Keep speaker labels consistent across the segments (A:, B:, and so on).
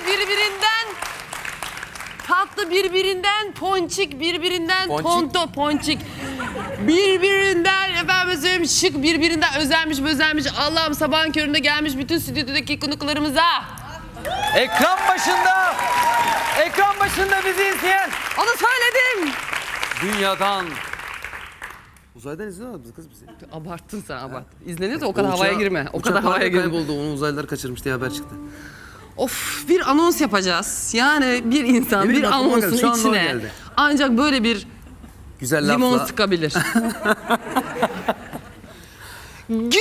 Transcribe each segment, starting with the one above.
A: birbirinden tatlı, birbirinden ponçik, birbirinden tonto ponçik. Birbirinden efendim söyleyeyim şık, birbirinden özenmiş. Allah'ım sabahın köründe gelmiş bütün stüdyodaki konuklarımıza.
B: Ekran başında bizi izleyen.
A: Onu söyledim.
B: Dünyadan. Uzaydan izliyorlar mı kız bizi?
A: Abarttın sen, abart. İzleniyorsa o kadar havaya girme. O kadar havaya girme.
B: Kayboldu, onu uzaylılar kaçırmış diye haber çıktı.
A: Of, bir anons yapacağız. Yani bir insan bir anonsun içine ancak böyle bir
B: güzel lafla
A: limon sıkabilir. Günaydın!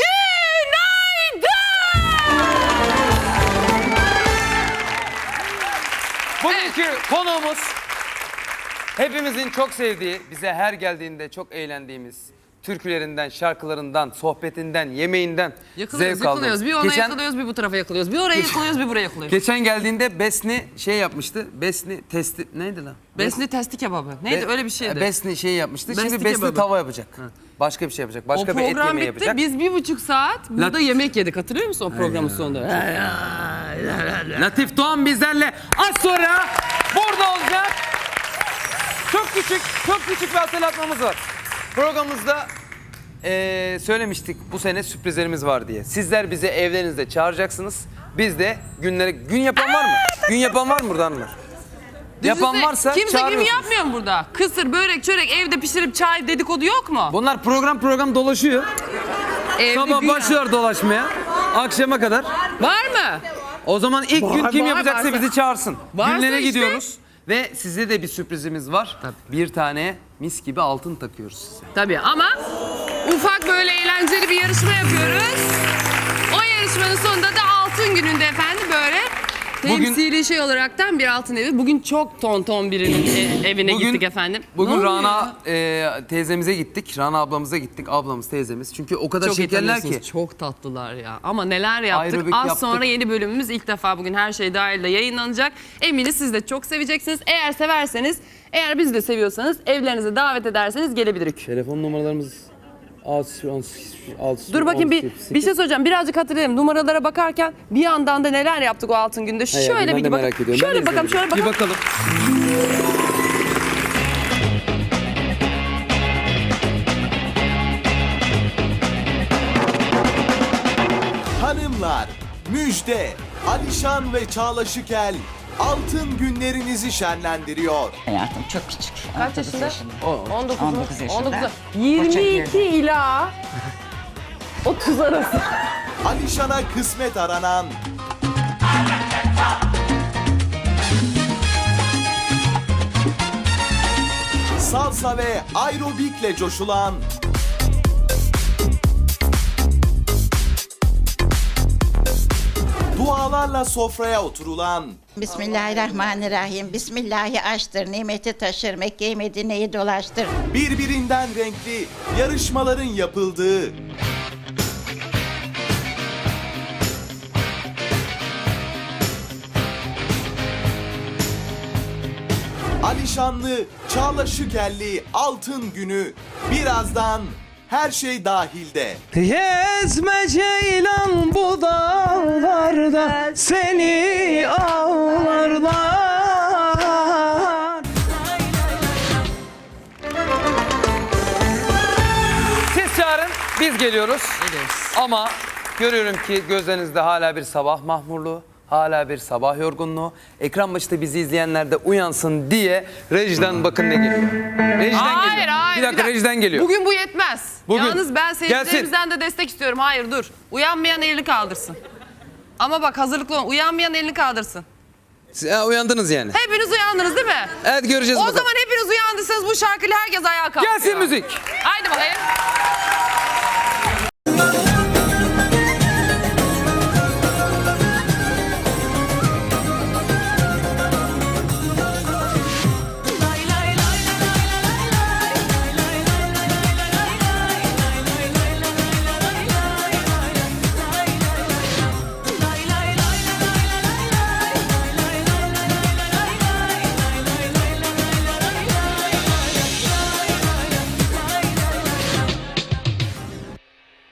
B: Bugünkü konuğumuz hepimizin çok sevdiği, bize her geldiğinde çok eğlendiğimiz türkülerinden, şarkılarından, sohbetinden, yemeğinden zevk aldığımız.
A: Bir ona yakılıyoruz, bir bu tarafa yakılıyoruz. Bir oraya yakılıyoruz, bir buraya yakılıyoruz.
B: Geçen geldiğinde Besni şey yapmıştı. Besni testi neydi lan?
A: Besni testi kebabı. Neydi? Öyle bir şeydi.
B: Besni şey yapmıştı.
A: Besni
B: Şimdi Besni
A: kebabı.
B: tava yapacak. Başka bir şey yapacak. Başka bir et yemeği yapacak.
A: O program bitti. Biz 1,5 saat burada yemek yedik. Hatırlıyor musun o programın sonunda?
B: Latif Doğan bizlerle az sonra burada olacak. Çok küçük bir hatırlatmamız var. Programımızda söylemiştik bu sene sürprizlerimiz var diye. Sizler bizi evlerinizde çağıracaksınız. Biz de gün yapan var mı? Gün yapan var mı burada hanımlar? Yapan varsa
A: kimse gün
B: çağırıyorsunuz.
A: yapmıyor mu burada? Kısır, börek, çörek evde pişirip çay dedikodu yok mu?
B: Bunlar program dolaşıyor.
A: Evde
B: Sabah
A: gün-
B: başlıyor dolaşmaya. Akşama kadar.
A: Var mı?
B: O zaman ilk gün kim
A: var,
B: yapacaksa
A: varsa.
B: bizi çağırsın.
A: Varsa
B: Günlere
A: işte.
B: gidiyoruz. Ve size de bir sürprizimiz var.
A: Tabii.
B: Bir tane mis gibi altın takıyoruz size.
A: Tabii ama ufak böyle eğlenceli bir yarışma yapıyoruz. O yarışmanın sonunda da altın gününde efendim böyle temsili şey olaraktan bir altın evi. Bugün çok tonton birinin evine gittik efendim.
B: Bugün
A: Ne
B: Rana teyzemize gittik. Rana ablamıza gittik. Ablamız, teyzemiz. Çünkü o kadar
A: çok
B: şekerler ki.
A: Çok tatlılar ya. Ama neler yaptık.
B: Aerobik
A: Az
B: yaptık.
A: sonra yeni bölümümüz ilk defa bugün her şey dahil de yayınlanacak. Eminiz siz de çok seveceksiniz. Eğer severseniz, eğer bizi de seviyorsanız evlerinize davet ederseniz gelebiliriz.
B: Telefon numaralarımız
A: Dur bakayım bir şey söyleyeceğim. Birazcık hatırlayayım. Numaralara bakarken bir yandan da neler yaptık o altın günde. Şöyle bir
B: merak ediyorum.
A: Şöyle
B: Ben de
A: bakalım, şöyle bakalım.
B: Bir bakalım.
C: Hanımlar, müjde! Alişan ve Çağla Şükel altın günlerinizi şenlendiriyor.
D: Hayatım çok küçük.
A: Kaç yaşında? 19 mu?
D: 19 yaşında.
A: 19. 22 ila 30 arası.
C: Alişan'a kısmet aranan, salsa ve aerobikle coşulan, dualarla sofraya oturulan,
E: Bismillahirrahmanirrahim. Bismillahi açtır, nimeti taşır, Mekke-i Medine'yi dolaştır.
C: birbirinden renkli yarışmaların yapıldığı, Alişanlı, Çağla Şükelli altın günü birazdan her şey dahilde.
B: Gezme ceylan bu dağlarda seni ağlarlar. Siz çağırın, biz geliyoruz. Ama görüyorum ki gözlerinizde hala bir sabah mahmurluğu, hala bir sabah yorgunluğu. Ekran başında bizi izleyenler de uyansın diye rejiden bakın ne geliyor. Rejiden geliyor. Bir dakika rejiden geliyor.
A: Bugün bu yetmez.
B: Bugün.
A: Yalnız ben seyircilerimizden de destek istiyorum. Hayır dur. Uyanmayan elini kaldırsın. Ama bak hazırlıklı olun. Uyanmayan elini kaldırsın.
B: Uyandınız yani.
A: Hepiniz uyandınız değil mi?
B: Evet göreceğiz
A: O
B: bakalım.
A: zaman hepiniz uyandıysanız bu şarkıyla herkes ayağa kalkıyor.
B: Gelsin müzik.
A: Haydi bakayım.